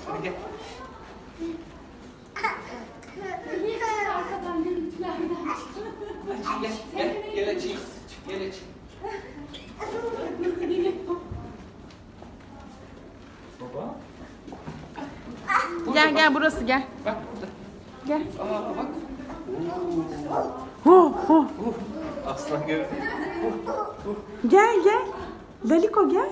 Hadi gel. Arkadan görüntülerden Gel, gel, gel açayım. Gel açayım. Baba. Gel gel burası gel. Bak burada. Gel. Aa bak. Hu hu. Aslan gördüm. Gel gel. Laliko gel.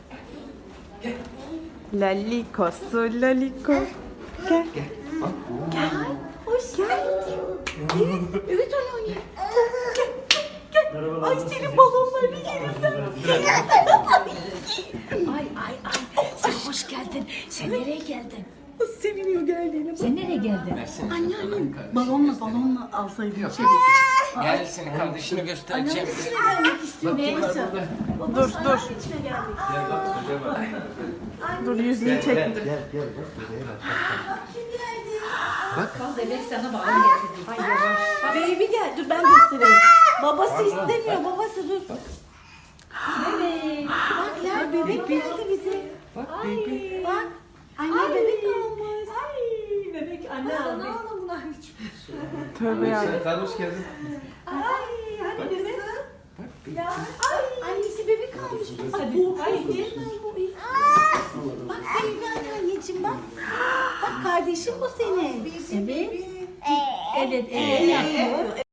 Lalikosu Laliko. Gel. Gel. Bak. Gel. Hoş geldin. Evet, evet Alanya. Gel. Ay senin balonlarını yerim Ay sen hoş geldin. Sen nereye geldin? Nasıl seviniyor geldiğine. Sen nereye geldin? Versene. Anne balonla alsaydın. Yok. Şey, Gel seni kardeşini göstereceğim. gelmek istiyorum. Ne? Dur dur. Gel bak şuraya bak. Dur yüzünü çek. Gel. Bak bebek sana bağlı getirdi. Ay yavaş. Baby gel. Dur ben göstereyim. Babası istemiyor. Babası dur. Bebek. Bak ya bebek geldi bize. Bak baby. Bak. Anne bebek almış. Ay bebek anne aldı. Tövbe ya. Sen kardeş geldin. Ay hadi bebek. Ya. Ay. Annesi bebek almış. Hadi. Haydi. Bak sevgili anneciğim bak. Bak kardeşim bu senin. Evet. Evet. Evet.